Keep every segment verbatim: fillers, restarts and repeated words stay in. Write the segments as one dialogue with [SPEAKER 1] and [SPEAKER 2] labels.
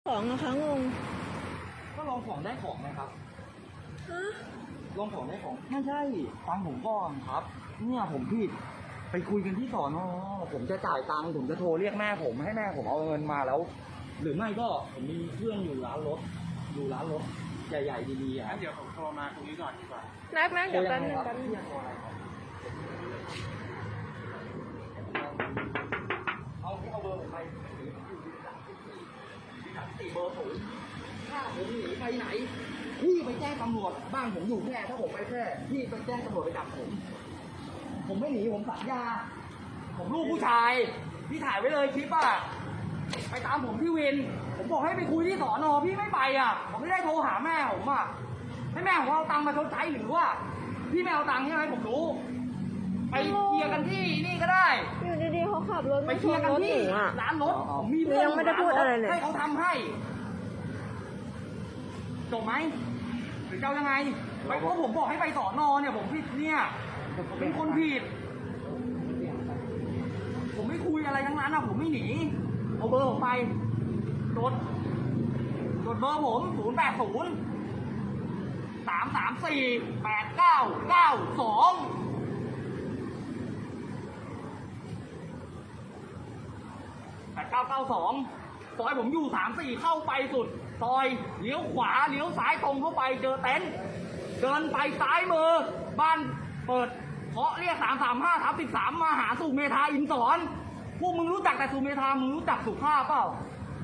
[SPEAKER 1] ของนะคะงง
[SPEAKER 2] ก็ลองของได้ของไหมครับ
[SPEAKER 1] ฮะ
[SPEAKER 2] ลองของได้ของไม่ใช่ฟังผมก่อนครับเนี่ยผมผิดไปคุยกันที่สอนอผมจะจ่ายตังค์ผมจะโทรเรียกแม่ผมให้แม่ผมเอาเงินมาแล้วหรือไม่ก็ผมมีเพื่อนอยู่ร้านรถอยู่ร้านรถใหญ่ๆดีๆอ่ะ
[SPEAKER 3] เดี๋ยวผมโทรมาตรงนี้ก่อนดีกว่า
[SPEAKER 1] นักนักเดี๋ยวแป๊บนึงแป๊บนึง
[SPEAKER 2] เอาเอาเบอร์ผมไปสี่เบอร์ศูนย์ถ้าผมหนีไปไหนพี่ไปแจ้งตำรวจบ้านผมอยู่แค่ถ้าผมไปแค่พี่ไปแจ้งตำรวจไปจับผมผมไม่หนีผมสัญญาผมลูกผู้ชายพี่ถ่ายไว้เลยคลิปอ่ะไปตามผมที่วินผมบอกให้ไปคุยที่สอนอพี่ไม่ไปอ่ะผมไม่ได้โทรหาแม่ผมอ่ะให้แม่ผมเอาตังค์มาชดใช้หรือว่าพี่ไม่เอาตังค์ใช่ไหมผมรู้ไปเคลียร์กันที่นี่ก็ได้
[SPEAKER 1] อยู่ดีๆเขาขับรถ
[SPEAKER 2] ไปเคลียร์กันที่ร้านรถมีเพื่อน
[SPEAKER 1] ยังไม่ได้พูดอะไรเลย
[SPEAKER 2] ให้เขาทำให้จบไหมหรือเจ้ายังไงไปเพราะผมบอกให้ไปสอนอเนี่ยผมผิดเนี่ยเป็นคนผิดผมไม่คุยอะไรทั้งนั้นนะผมไม่หนีเอาเบอร์ผมไปจดจดเบอร์ผมศูนย์แปดศูนย์สามสามสี่แปดเก้าเก้าสองแปดเก้าเก้าสองซอยผมอยู่สามสี่เข้าไปสุดซอยเลี้ยวขวาเลี้ยวซ้ายตรงเข้าไปเจอเต็นท์เดินไปซ้ายมือบ้านเปิดเคาะเรียกสามสามห้าทับสิบสามมาหาสุเมธาอินสอนพวกมึงรู้จักแต่สุเมธามึงรู้จักสุภาพเปล่า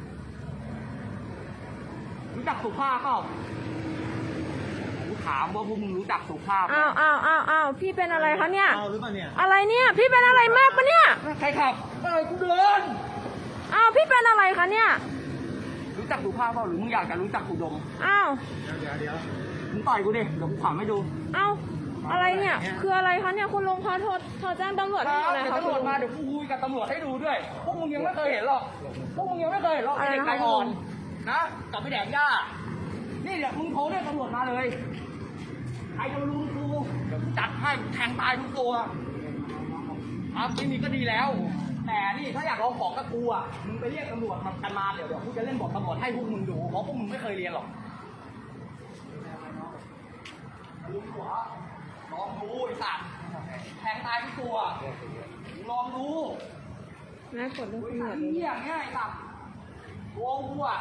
[SPEAKER 2] รู้จักสุภาพเปล่ากูถามว่าพวกมึงรู้จักสุภาพ
[SPEAKER 1] อ้าวอ้าวอ้าวอ้าวพี่เป็นอะไรคะเนี่ย
[SPEAKER 2] เอาหรือเปล่าเนี่ย
[SPEAKER 1] อะไรเนี่ยพี่เป็นอะไรมากปะเนี่ย
[SPEAKER 2] ใครขับเอ้ยกูเดิน
[SPEAKER 1] อ้าวพี่เป็นอะไรคะเนี่ย
[SPEAKER 2] รู้จักสุภาพเปล่าหรือมึงอยากจะรู้จักกูดม
[SPEAKER 1] อ้าว
[SPEAKER 3] เดี๋ยวเดี๋ยว
[SPEAKER 2] มึงต่อยกูดิเดี๋ยวกูขำให้ดู
[SPEAKER 1] อ้าวอะไรเนี่ยคืออะไรคะเนี่ยคุณลุงคะโทรโทรแจ้งตำรวจให้อะไรคะ
[SPEAKER 2] ตำรวจมาเดี๋ยวกูคุยกับตำรวจให้ดูด้วยพวกมึงยังไม่เคยเห็นหรอกพวกมึงยังไม่เคยเห็นหรอกเด็กไก่อ่อนนะกลับไปแดกหญ้านี่เดี๋ยวมึงโทรเรียกตำรวจมาเลยใครจะมาลุมกูเดี๋ยวกูจัดให้แทงตายทุกตัวอ่ะไม่มีก็ดีแล้วแต่นี่ถ้าอยากเอาของกับกูอ่ะมึงไปเรียกตำรวจมากันมาเดี๋ยวเดี๋ยวกูจะเล่นบทตำรวจให้พวกมึงดูเพราะพวกมึงไม่เคยเรียนหรอกลุงหัวลองดูไอ้สัตว์แทงตายทุกตัวลองดู
[SPEAKER 1] แม่กดเรื่องตำรวจ
[SPEAKER 2] เหี้ยง่ายสัตว์โว้กูอ่ะ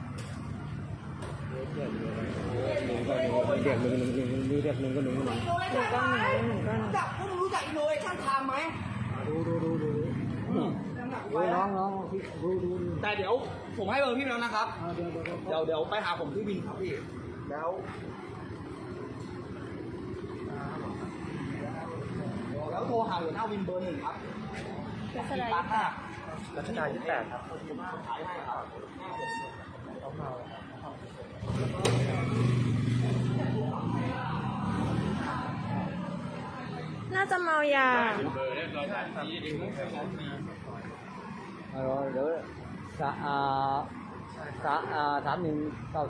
[SPEAKER 3] เด็กหนึ่งก็หนึ่งเด็กหนึ่งหนึ่งหนึ่งมีเด็กหนึ่งก็หนึ่งก็หนึ่ง
[SPEAKER 1] หนึ่งก้อนหนึ่งหนึ่งก้อน
[SPEAKER 2] รู้จักพวกมึงรู้จักอินโนเวชั่นไทม์ไหม
[SPEAKER 3] ดูดูดูดูดูน้องน้องดูดู
[SPEAKER 2] แต่เดี๋ยวผมให้เบอร์พี่แล้วนะครับ
[SPEAKER 3] เดี๋ยวเดี๋ยว
[SPEAKER 2] เดี๋ยวเดี๋ยวไปหาผมที่วินครับพี่แล้วแล้วโทรหาหัวหน้าวินเบอร์หนึ่งครับ
[SPEAKER 1] รัชดา
[SPEAKER 2] ร้านห้า
[SPEAKER 3] รัชดายี่สิบแปดครับ
[SPEAKER 2] ขายให้ครับ
[SPEAKER 1] น่าจะเมายา
[SPEAKER 3] เบอร์เรียบร้อยครับเดี๋ยวสะอาสะอาสามหนึ่งเก้า